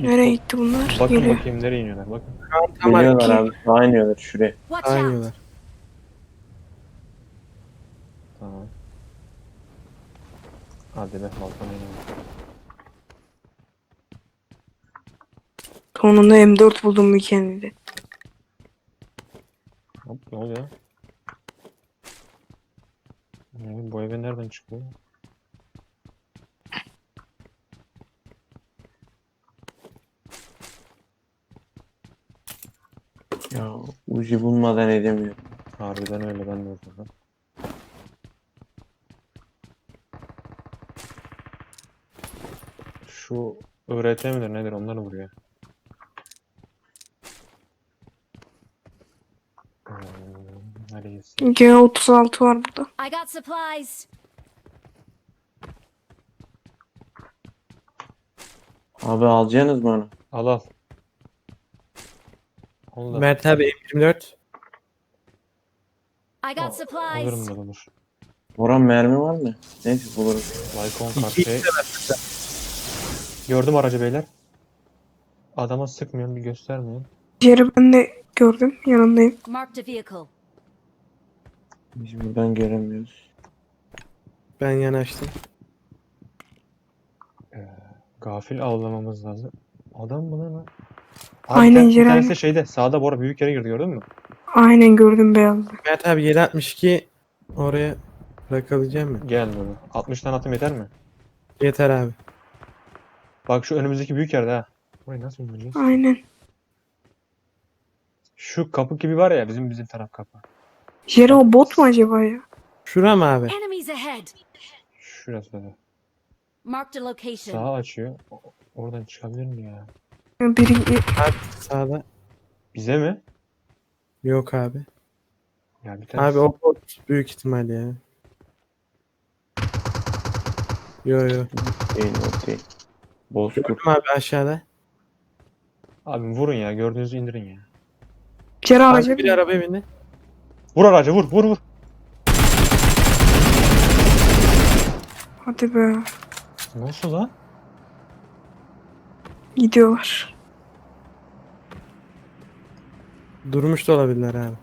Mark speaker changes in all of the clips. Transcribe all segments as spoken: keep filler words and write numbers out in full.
Speaker 1: Nereye gitti bunlar?
Speaker 2: Bakın
Speaker 1: Geliyor.
Speaker 2: bakayım nereye iniyorlar bakın.
Speaker 3: Tam
Speaker 4: Geliyorlar
Speaker 1: iki.
Speaker 4: abi. Sağa iniyorlar şuraya.
Speaker 5: Watch out!
Speaker 3: Aynılar.
Speaker 2: Tamam. Hadi be balkona inelim.
Speaker 1: Sonunda M dört buldum bir kendide.
Speaker 2: Hop ne oluyor? Ne, bu eve nereden çıkıyor?
Speaker 4: Ya ucu bulmadan edemiyorum.
Speaker 2: Harbiden öyle ben de ortada. Şu öğretmen midir nedir onları vuruyor. Hmm, neredeyiz?
Speaker 1: G otuz altı var burada.
Speaker 5: I got supplies.
Speaker 4: Abi alacaksınız mı onu?
Speaker 2: Al al. Onu da
Speaker 3: Mert abi M yirmi dört.
Speaker 5: I got supplies.
Speaker 2: alırım da olur.
Speaker 4: Boran mermi var mı? Neyse buluruz.
Speaker 2: Lycon
Speaker 3: İki
Speaker 2: kartı. Gördüm aracı beyler. Adama sıkmıyorum bir göstermiyorum.
Speaker 1: Yeri ben de gördüm. Yanındayım.
Speaker 5: Marked a vehicle.
Speaker 4: Biz buradan göremiyoruz.
Speaker 3: Ben yanaştım.
Speaker 2: Gafil avlamamız lazım. Adam mı lan? o? Abi
Speaker 1: Aynen,
Speaker 2: bir tane- bir
Speaker 1: Ceren.
Speaker 2: tanesi de şeyde sağda Bora büyük yere girdi gördün mü?
Speaker 1: Aynen gördüm beyazlı.
Speaker 3: Mert abi yedi altmış iki oraya bırakabileceğim mi?
Speaker 2: Gel bunu. altmıştan atım yeter mi?
Speaker 3: Yeter abi.
Speaker 2: Bak şu önümüzdeki büyük yerde ha. Burayı nasıl bulacağız?
Speaker 1: Aynen.
Speaker 2: Şu kapı gibi var ya bizim bizim taraf kapı.
Speaker 1: Jere o bot mu acaba ya?
Speaker 3: Şura mı abi?
Speaker 5: Enemies ahead.
Speaker 2: Şurası da.
Speaker 5: Marked a location.
Speaker 2: Sağa açıyor. O- Oradan çıkabilir mi ya?
Speaker 1: Biri
Speaker 3: Abi sağda.
Speaker 2: Bize mi?
Speaker 3: Yok abi.
Speaker 2: Ya bir tane.
Speaker 3: Abi o bot büyük ihtimal ya. Yo yo.
Speaker 4: Değil o değil. Bozkurt.
Speaker 3: Gördüm abi aşağıda.
Speaker 2: Abi vurun ya gördüğünüzü indirin ya.
Speaker 1: Jere araca
Speaker 3: Abi bir
Speaker 1: bin.
Speaker 3: arabaya bindi.
Speaker 2: Vur aracı vur vur vur.
Speaker 1: Hadi be.
Speaker 2: Nasıl lan?
Speaker 1: Gidiyorlar.
Speaker 3: Durmuş da olabilirler abi.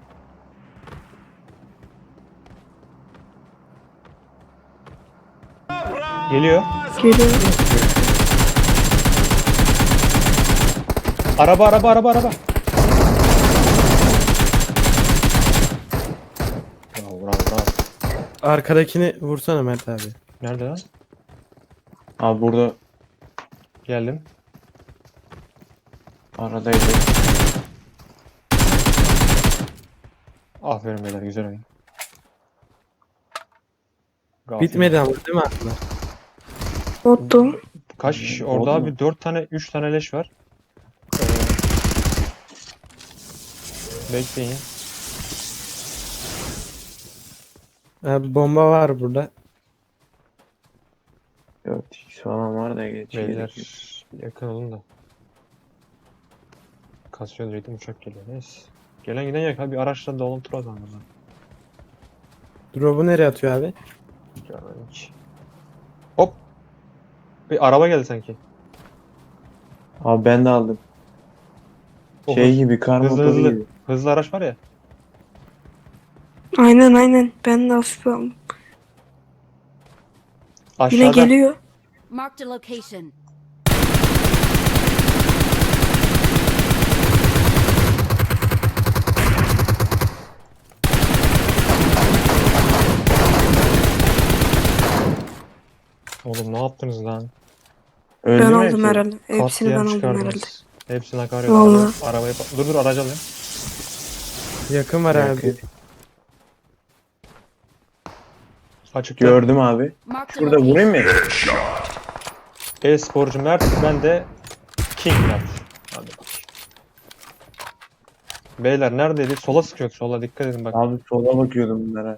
Speaker 2: Geliyor.
Speaker 1: Geliyor.
Speaker 2: Araba araba araba araba. Bravo bravo bravo.
Speaker 3: Arkadakini vursana Mert abi.
Speaker 2: Nerede lan?
Speaker 4: Abi burada
Speaker 2: Geldim.
Speaker 4: aradaydı.
Speaker 2: Aferin beyler güzel oyun. Gafil.
Speaker 3: Bitmedi ama değil mi abi?
Speaker 1: Bottu.
Speaker 2: Kaç kişi?
Speaker 4: Oldu
Speaker 2: Orada
Speaker 4: mu?
Speaker 2: abi dört tane üç tane leş var. Ee, bekleyin.
Speaker 3: Abi bomba var burada.
Speaker 4: dört x falan var da geç.
Speaker 2: Beyler yakın olun da. Kasıyor diyecektim uçak geliyor. Neyse. Gelen giden yok abi araçla dolu tur atalım o zaman.
Speaker 3: Drop'u nereye atıyor abi?
Speaker 2: Görmedim hiç. Hop. Bir araba geldi sanki.
Speaker 4: Abi ben de aldım.
Speaker 2: O
Speaker 4: Şey
Speaker 2: hız-
Speaker 4: gibi kar
Speaker 2: hızlı
Speaker 4: motoru
Speaker 2: hızlı.
Speaker 4: gibi.
Speaker 2: Hızlı araç var ya.
Speaker 1: Aynen aynen. Ben de hafif aldım.
Speaker 2: Aşağıda.
Speaker 1: Yine geliyor.
Speaker 5: Marked a location.
Speaker 2: Oğlum ne yaptınız lan?
Speaker 4: Öldü
Speaker 1: Ben
Speaker 4: mü
Speaker 1: aldım
Speaker 4: hepsi?
Speaker 1: herhalde. Hepsini
Speaker 2: Katliam
Speaker 1: ben aldım
Speaker 2: çıkardınız.
Speaker 1: herhalde.
Speaker 2: Hepsini akar yok.
Speaker 1: Vallahi.
Speaker 2: Araba- Arabayı pa- Dur dur aracı alayım.
Speaker 3: Yakın var
Speaker 4: Yakın.
Speaker 3: abi.
Speaker 2: Açıkta.
Speaker 4: Gördüm abi.
Speaker 5: Marked a
Speaker 4: Şurada
Speaker 5: location.
Speaker 4: vurayım mı?
Speaker 2: E-sporcu Mert, ben de King Mert. Hadi bak. Beyler neredeydi? Sola sıkıyor, sola dikkat edin bak.
Speaker 4: Abi sola bakıyordum bunlara.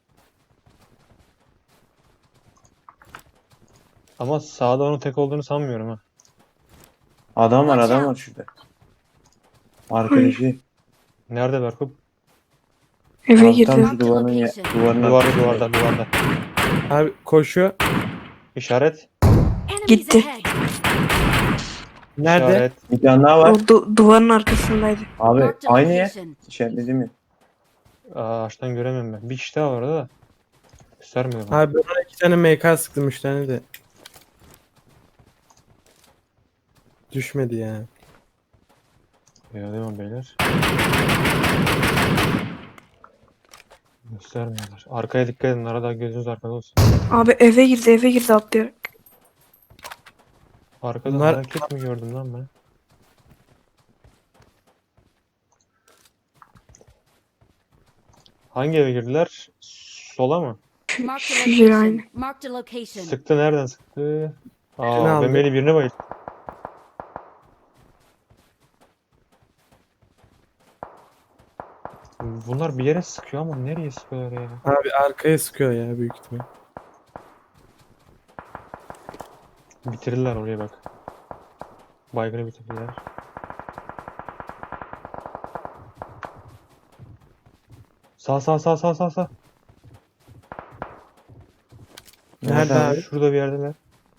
Speaker 2: Ama sağda onun tek olduğunu sanmıyorum ha.
Speaker 4: Adam var
Speaker 5: Watch
Speaker 4: adam var
Speaker 5: out.
Speaker 4: şurada. Arkadaşı.
Speaker 2: Nerede Berkup?
Speaker 1: Eve
Speaker 4: Abi tam
Speaker 1: girdi.
Speaker 4: şu duvarın, ya, duvarın
Speaker 2: Duvarda,
Speaker 4: arkasında.
Speaker 2: duvarda, duvarda.
Speaker 3: Abi koşuyor.
Speaker 2: İşaret.
Speaker 5: Enemies
Speaker 1: Gitti.
Speaker 5: ahead.
Speaker 3: Nerede?
Speaker 2: İşaret.
Speaker 4: Bir tane daha
Speaker 1: O
Speaker 4: var.
Speaker 1: du- duvarın arkasındaydı.
Speaker 4: Abi
Speaker 5: Marked a
Speaker 4: aynı yer.
Speaker 5: location.
Speaker 4: İçeride mi?
Speaker 2: Aa, ağaçtan göremiyorum ben. Bir kişi daha var orada da. Göstermiyor bana.
Speaker 3: Abi ben ona iki tane M K sıktım, üç tane de. Düşmedi ya.
Speaker 2: Ya devam beyler. Göstermiyorlar. Arkaya dikkat edin. Arada gözünüz arkada olsun.
Speaker 1: Abi eve girdi eve girdi atlayarak.
Speaker 2: Arkada
Speaker 3: Bunlar-
Speaker 2: hareket mi gördüm lan ben? Hangi eve girdiler? Sola mı?
Speaker 5: Marked a
Speaker 1: Şu yer aynı.
Speaker 5: location. Marked a location.
Speaker 2: Sıktı, nereden sıktı?
Speaker 3: Birini
Speaker 2: Aa,
Speaker 3: aldı.
Speaker 2: ben beni birine bayıldım. Bunlar bir yere sıkıyor ama nereye sıkıyorlar ya?
Speaker 3: Abi arkaya sıkıyor ya büyük ihtimal.
Speaker 2: Bitirirler oraya bak. Baygını bitirirler. Sağ sağ sağ sağ sağ sağ.
Speaker 3: Nerede abi?
Speaker 2: Şurada bir yerdeler.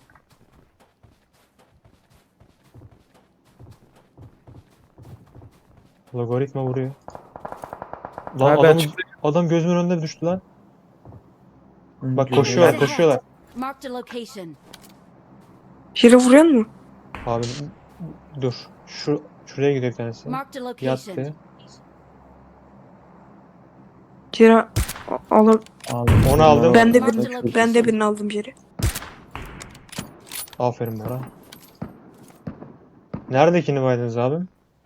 Speaker 2: Logaritma vuruyor. Lan
Speaker 3: Abi
Speaker 2: adam,
Speaker 3: açıkta-
Speaker 2: adam gözümün önünde düştü lan.
Speaker 4: Hı,
Speaker 2: Bak
Speaker 4: güzel.
Speaker 2: koşuyorlar
Speaker 5: Ahead.
Speaker 2: koşuyorlar.
Speaker 5: Marked a location.
Speaker 1: Yere vuruyor mu?
Speaker 2: Abi dur. Şu şuraya gidiyor bir tanesi.
Speaker 5: Marked a location.
Speaker 2: Yattı.
Speaker 1: Yere a- alıp
Speaker 4: Abi,
Speaker 2: Onu aldım.
Speaker 1: Ben de
Speaker 5: Marked a
Speaker 1: bir-
Speaker 5: location.
Speaker 1: ben de birini aldım yere.
Speaker 2: Aferin bana. Neredekini baydınız abim?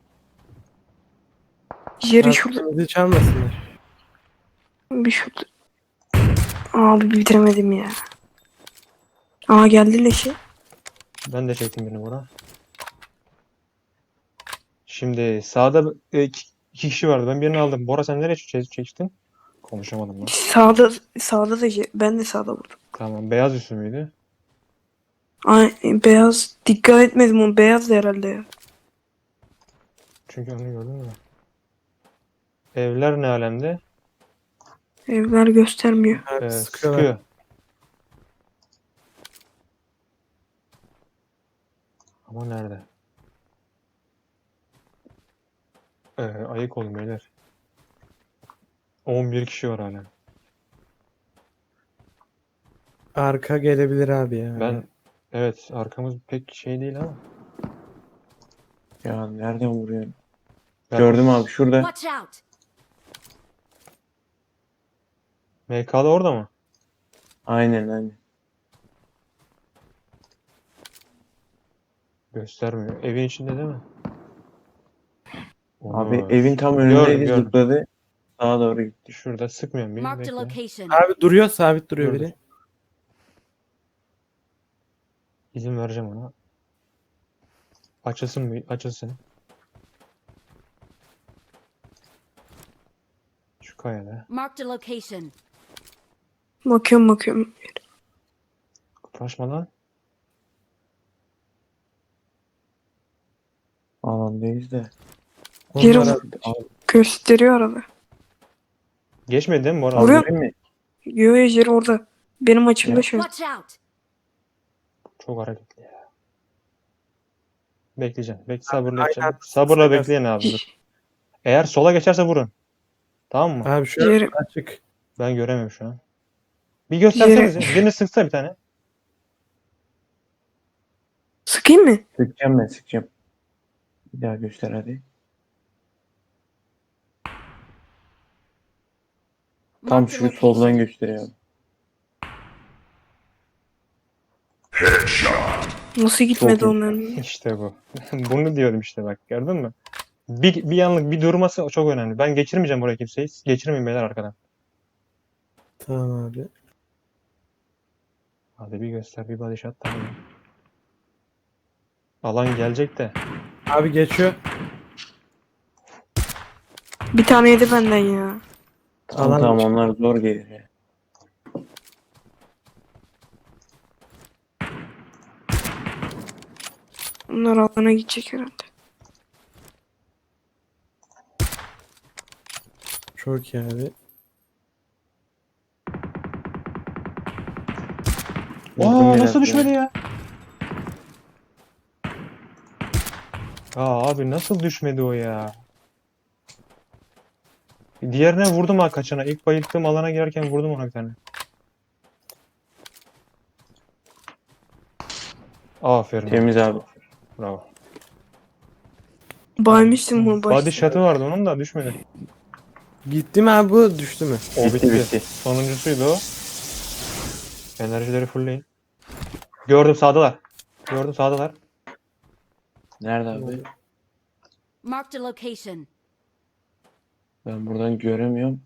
Speaker 1: Yeri
Speaker 3: Abi
Speaker 1: şurada.
Speaker 3: bizi çalmasınlar.
Speaker 1: Bir şurada. Abi bitiremedim ya. Aa geldi leşi.
Speaker 2: Ben de çektim birini buna. Şimdi sağda e, iki, iki kişi vardı. Ben birini aldım. Bora sen nereye çe- çektin? Konuşamadım lan.
Speaker 1: Sağda sağda da ye- ben de sağda vurdum.
Speaker 2: Tamam. Beyaz üstü müydü?
Speaker 1: Ay beyaz dikkat etmedim o beyaz da herhalde ya.
Speaker 2: Çünkü onu gördüm mü? Evler ne alemde?
Speaker 1: Evler göstermiyor.
Speaker 3: Abi
Speaker 2: Ee,
Speaker 3: sıkıyorlar.
Speaker 2: sıkıyor. Ama nerede? Ee, ayık olun beyler. on bir kişi var hala.
Speaker 3: Arka gelebilir abi ya.
Speaker 2: Ben evet, arkamız pek şey değil ama.
Speaker 4: Ya nereden vuruyor?
Speaker 2: Ben-
Speaker 4: Gördüm abi şurada.
Speaker 5: Watch out.
Speaker 2: M K'da orada mı?
Speaker 4: Aynen aynen.
Speaker 2: Göstermiyor. Evin içinde değil mi?
Speaker 4: Abi
Speaker 2: Onur.
Speaker 4: evin tam
Speaker 2: Gördüm,
Speaker 4: önündeydi,
Speaker 2: gördüm.
Speaker 4: zıpladı. Sağa doğru gitti.
Speaker 2: Şurada sıkmıyorum bir.
Speaker 5: Marked a
Speaker 2: Bekle.
Speaker 5: location.
Speaker 3: Abi duruyor, sabit duruyor
Speaker 2: Gördüm.
Speaker 3: biri.
Speaker 2: İzin vereceğim ona. Açılsın mı? Açılsın. Şu kayada.
Speaker 5: Marked a location.
Speaker 1: Bakıyorum bakıyorum.
Speaker 2: Kıpraşma lan.
Speaker 4: Alandayız da.
Speaker 1: Yeri
Speaker 3: Onlar
Speaker 1: vur-
Speaker 3: abi.
Speaker 4: Abi,
Speaker 1: gösteriyor arada.
Speaker 2: Geçmedi değil mi Bora?
Speaker 1: Vuruyor.
Speaker 4: vurayım mı?
Speaker 1: Yo yo yeri orada. Benim açımda
Speaker 4: Ya.
Speaker 1: şu an.
Speaker 5: Watch out.
Speaker 2: Çok hareketli ya. Bekleyeceğim. Bekle, sabırla
Speaker 3: aynen.
Speaker 2: edeceğim. Sabırla
Speaker 3: Sıkarsın.
Speaker 2: bekleyin abi. Dur. Eğer sola geçerse vurun. Tamam mı?
Speaker 3: Abi şu an
Speaker 1: Yeri
Speaker 2: Ben
Speaker 3: açık.
Speaker 2: göremiyorum şu an. Bir göstersenize. Birini sıksa bir tane.
Speaker 1: sıkayım mı?
Speaker 4: Sıkacağım ben sıkacağım. Bir daha göster hadi. Tam
Speaker 5: Marked a
Speaker 4: şu soldan
Speaker 5: location.
Speaker 4: gösteriyor.
Speaker 1: Nasıl gitmedi
Speaker 4: Çok iyi.
Speaker 1: onların?
Speaker 2: İşte bu. Bunu diyorum işte bak. Gördün mü? Bir, bir anlık bir durması çok önemli. Ben geçirmeyeceğim buraya kimseyi. Geçirmeyin beyler arkadan.
Speaker 3: Tamam abi.
Speaker 2: Hadi bir göster, bir body shot, tamam. Alan gelecek de.
Speaker 3: Abi geçiyor.
Speaker 1: Bir tane yedi benden ya.
Speaker 4: Tamam
Speaker 3: Alan
Speaker 4: tamam
Speaker 3: çık-
Speaker 4: onlar zor gelir ya.
Speaker 1: Onlar alana gidecek herhalde.
Speaker 3: Çok iyi abi.
Speaker 4: Vurdum
Speaker 2: Aa,
Speaker 4: biraz
Speaker 2: nasıl
Speaker 4: ya.
Speaker 2: düşmedi ya? Aa abi nasıl düşmedi o ya? Diğerine vurdum ha kaçana. İlk bayılttığım alana girerken vurdum ona bir tane. Aferin abi.
Speaker 4: Temiz abi.
Speaker 2: Bravo.
Speaker 1: Baymıştım bunu
Speaker 2: Body
Speaker 1: başta.
Speaker 2: shot'ı vardı onun da düşmedi.
Speaker 3: Gitti mi abi bu düştü mü?
Speaker 2: O
Speaker 4: Bitti,
Speaker 2: bitti.
Speaker 4: bitti.
Speaker 2: Sonuncusuydu o. Enerjileri fullleyin. Gördüm sağdalar. Gördüm sağdalar.
Speaker 4: Nerede abi?
Speaker 5: Marked a location.
Speaker 4: Ben buradan göremiyorum.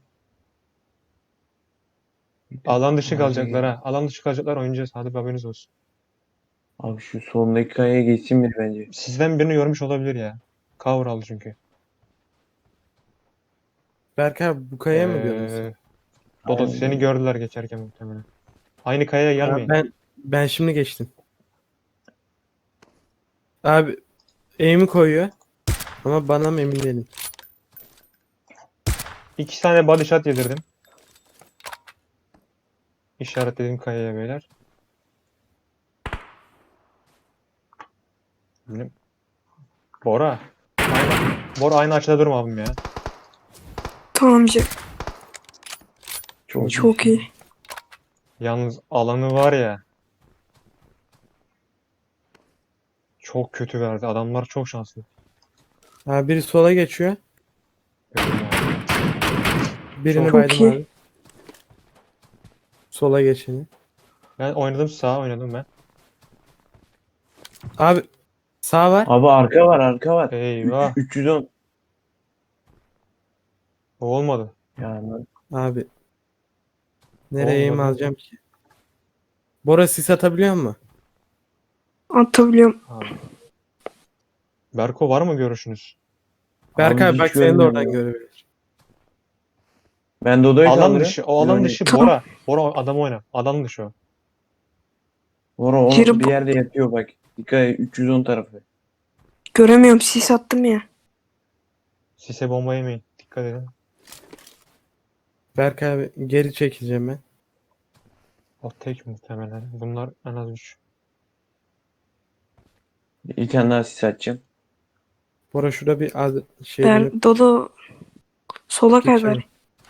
Speaker 2: Alan dışı
Speaker 4: Ağaca
Speaker 2: kalacaklar
Speaker 4: girdim.
Speaker 2: ha. Alan dışı kalacaklar oynayacağız. Hadi haberiniz olsun.
Speaker 4: Abi şu sondaki kayaya geçsin bir bence.
Speaker 2: Sizden birini görmüş olabilir ya. Cover aldı çünkü.
Speaker 3: Berk abi bu kayaya mı gördün sen?
Speaker 2: Ee, Dodo
Speaker 4: Aynen.
Speaker 2: seni gördüler geçerken muhtemelen. Aynı kayaya
Speaker 3: Abi
Speaker 2: gelmeyin.
Speaker 3: ben ben şimdi geçtim. Abi aim'i koyuyor. Ama bana mı emin değilim.
Speaker 2: İki tane body shot yedirdim. İşaretlediğim kayaya beyler. Benim- Bora. Aynı, Bora aynı açıda durma abim ya.
Speaker 1: Tamam Jack.
Speaker 4: Çok,
Speaker 1: Çok iyi.
Speaker 2: Yalnız alanı var ya. Çok kötü verdi. Adamlar çok şanslı.
Speaker 3: Abi biri sola geçiyor.
Speaker 2: Gördüm abi.
Speaker 3: Birini
Speaker 2: Çok
Speaker 3: baydım
Speaker 1: iyi.
Speaker 3: abi. Sola geçeni.
Speaker 2: Ben oynadım sağa oynadım ben.
Speaker 3: Abi sağ var.
Speaker 4: Abi arka var arka var.
Speaker 2: Eyvah.
Speaker 4: üç yüz on.
Speaker 2: O olmadı.
Speaker 4: Ya lan.
Speaker 3: Abi. Nereye aim
Speaker 2: Olmadı.
Speaker 3: alacağım ki? Bora sis atabiliyor mu?
Speaker 1: Atabiliyorum.
Speaker 2: Abi. Berko var mı görüşünüz?
Speaker 3: Berk
Speaker 4: Abi
Speaker 3: abi
Speaker 4: hiç
Speaker 3: bak seni de
Speaker 4: görmüyorum
Speaker 3: oradan
Speaker 4: ya.
Speaker 3: görebilir.
Speaker 4: Ben Dodo'yu
Speaker 2: Alan
Speaker 4: kaldırıyorum.
Speaker 2: dışı. O alan
Speaker 4: Yani,
Speaker 2: dışı
Speaker 1: Tamam.
Speaker 2: Bora. Bora adam oyna. Alan dışı o.
Speaker 4: Bora o
Speaker 1: Yürü
Speaker 4: bir
Speaker 1: bu-
Speaker 4: yerde yatıyor bak. Dikkat et üç yüz on tarafı.
Speaker 1: Göremiyorum. Sis attım ya.
Speaker 2: Sise bomba yemeyin. Dikkat edin.
Speaker 3: Berk abi geri çekileceğim ben.
Speaker 2: O tek muhtemelen. Bunlar en az üç.
Speaker 4: Bir tane daha sis atacağım.
Speaker 3: Bora şurada bir az şey dönüp
Speaker 1: Der, Dodo sola kay
Speaker 3: geçelim.
Speaker 1: bari.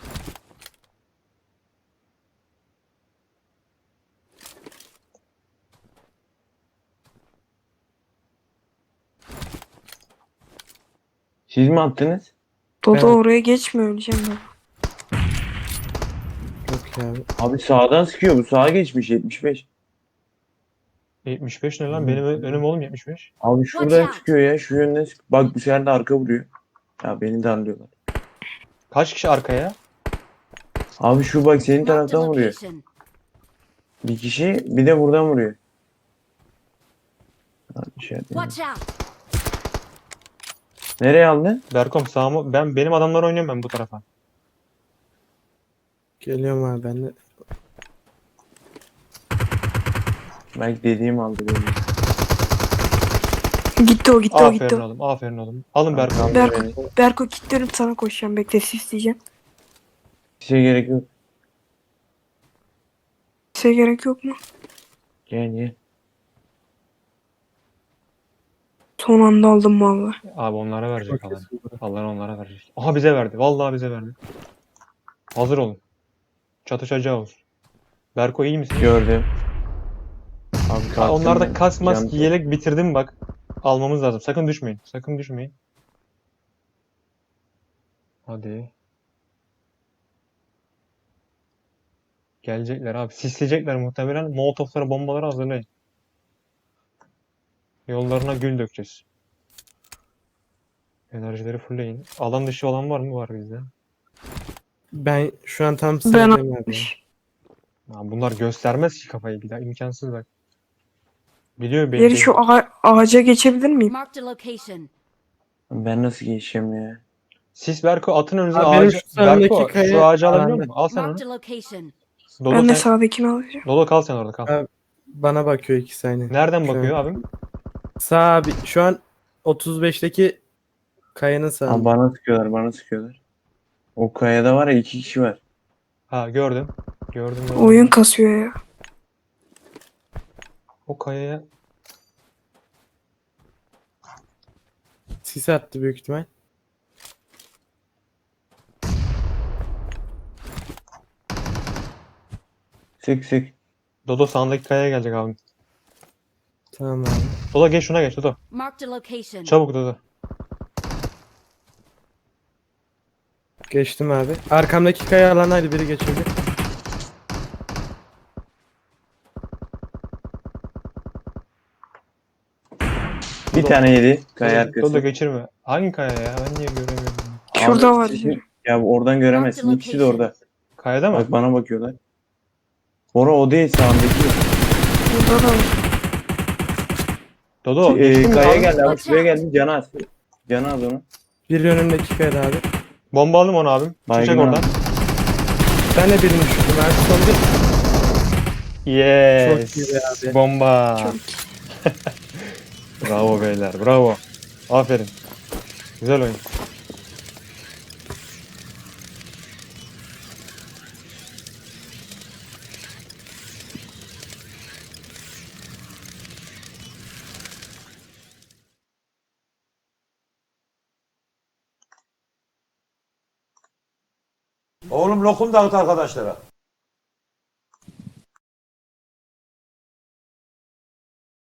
Speaker 4: Siz mi attınız?
Speaker 1: Dodo
Speaker 3: Evet.
Speaker 1: oraya geçme öleceğim ben.
Speaker 3: Yok ya abi.
Speaker 4: Abi sağdan sıkıyor bu. Sağa geçmiş yetmiş beş.
Speaker 2: yetmiş beş ne lan? Benim ö- önüm oğlum yetmiş beş.
Speaker 4: Abi
Speaker 5: Watch
Speaker 4: şuradan
Speaker 5: out.
Speaker 4: çıkıyor ya. Şu yönden sık. Bak bu sefer de arka vuruyor. Ya beni darlıyorlar.
Speaker 2: Kaç kişi arkaya?
Speaker 4: Abi şu bak senin
Speaker 5: Marked a
Speaker 4: taraftan vuruyor.
Speaker 5: location.
Speaker 4: Bir kişi bir de buradan vuruyor. Abi şey yapayım.
Speaker 5: Watch out.
Speaker 4: Nereye aldın?
Speaker 2: Berkom sağ mı? Ben benim adamlar oynuyorum ben bu tarafa.
Speaker 3: Geliyorum abi ben de.
Speaker 4: Belki dediğim aldı beni.
Speaker 1: Gitti o gitti o gitti.
Speaker 2: Aferin
Speaker 1: o.
Speaker 2: oğlum. Aferin oğlum. Alın Berko.
Speaker 4: Aldı
Speaker 1: Berko,
Speaker 4: beni.
Speaker 1: Berko kilitlerim sana koşacağım. Bekle sis diyeceğim.
Speaker 4: Size gerek yok.
Speaker 1: Size gerek yok mu?
Speaker 4: Gel gel.
Speaker 1: Son anda aldım valla.
Speaker 2: Abi onlara verecek alan.
Speaker 3: Bakıyorsun Bora.
Speaker 2: Allah onlara verecek. Aha bize verdi. Vallahi bize verdi. Hazır olun. Çatışacağız. Berko iyi misin?
Speaker 4: Gördüm. Abi
Speaker 2: Ha,
Speaker 4: kalktım
Speaker 2: onlarda
Speaker 4: ben.
Speaker 2: kask mask
Speaker 4: Yandım.
Speaker 2: yelek bitirdim bak. Almamız lazım. Sakın düşmeyin. Sakın düşmeyin. Hadi. Gelecekler abi. Sisleyecekler muhtemelen. Molotoflara bombaları hazırlayın. Yollarına gül dökeceğiz. Enerjileri fullleyin. Alan dışı olan var mı? Var bizde.
Speaker 3: Ben şu an tam
Speaker 1: Ben
Speaker 3: sıradayım abi. ya.
Speaker 1: atmış.
Speaker 2: Ya bunlar göstermez ki kafayı bir daha. İmkansız bak. Biliyor
Speaker 1: Yeri
Speaker 2: belli.
Speaker 1: şu ağa- ağaca geçebilir miyim?
Speaker 5: Marked a location.
Speaker 4: Ben nasıl geçeceğim ya?
Speaker 2: Sis Berko atın önünüze
Speaker 3: Abi benim
Speaker 2: ağacı.
Speaker 3: şu sağımdaki
Speaker 2: Berko
Speaker 3: kaya
Speaker 2: şu ağacı alabiliyor
Speaker 3: alanda.
Speaker 2: musun? Al sen onu.
Speaker 5: Marked a location.
Speaker 2: Dodo
Speaker 1: Ben de
Speaker 2: sen.
Speaker 1: sağdakini alacağım.
Speaker 2: Dodo kal sen orada kal.
Speaker 3: Abi, Bana bakıyor iki saniye.
Speaker 2: Nereden
Speaker 3: Şu
Speaker 2: bakıyor
Speaker 3: an.
Speaker 2: abim?
Speaker 3: Sağ abi şu an otuz beşteki kayanın
Speaker 4: Abi
Speaker 3: sağında.
Speaker 4: bana sıkıyorlar bana sıkıyorlar. O kayada var ya iki kişi var.
Speaker 2: Ha gördüm. Gördüm. gördüm.
Speaker 1: Oyun kasıyor ya.
Speaker 2: O kayaya
Speaker 3: Sis attı büyük ihtimal.
Speaker 4: Sık sık.
Speaker 2: Dodo sağındaki kayaya gelecek abi.
Speaker 3: Tamam abi.
Speaker 2: Dodo geç şuna geç Dodo.
Speaker 5: Marked a location.
Speaker 2: Çabuk Dodo.
Speaker 3: Geçtim abi. Arkamdaki kaya alanaydı, biri geçirdi.
Speaker 4: Bir tane yedi. Kaya
Speaker 2: Dodo,
Speaker 4: arkası.
Speaker 2: Dodo geçirme. Hangi kaya ya? Ben niye göremiyorum?
Speaker 1: Şurada
Speaker 4: Abi,
Speaker 1: var
Speaker 4: sizin-
Speaker 1: biri.
Speaker 4: Ya oradan göremezsin. İkisi de orada.
Speaker 2: Kayada mı?
Speaker 4: Bak bana bakıyorlar. Bora o değil sağındaki.
Speaker 1: Burada da var.
Speaker 2: Dodo
Speaker 4: Ee,
Speaker 2: geçtin mi
Speaker 4: kaya
Speaker 2: abi?
Speaker 4: geldi abi. Şuraya geldi. Canı az. Canı az onu.
Speaker 3: Biri önümdeki kayada abi.
Speaker 2: Bomba aldım onu abim.
Speaker 4: Baygın
Speaker 2: Çıkacak oradan.
Speaker 4: abi.
Speaker 3: Ben de birini düşürdüm abi. Son bir.
Speaker 2: Yes.
Speaker 3: Çok iyi be abi.
Speaker 2: Bomba.
Speaker 1: Çok
Speaker 2: Bravo beyler. Bravo. Aferin. Güzel oyun.
Speaker 6: Oğlum lokum dağıt arkadaşlara.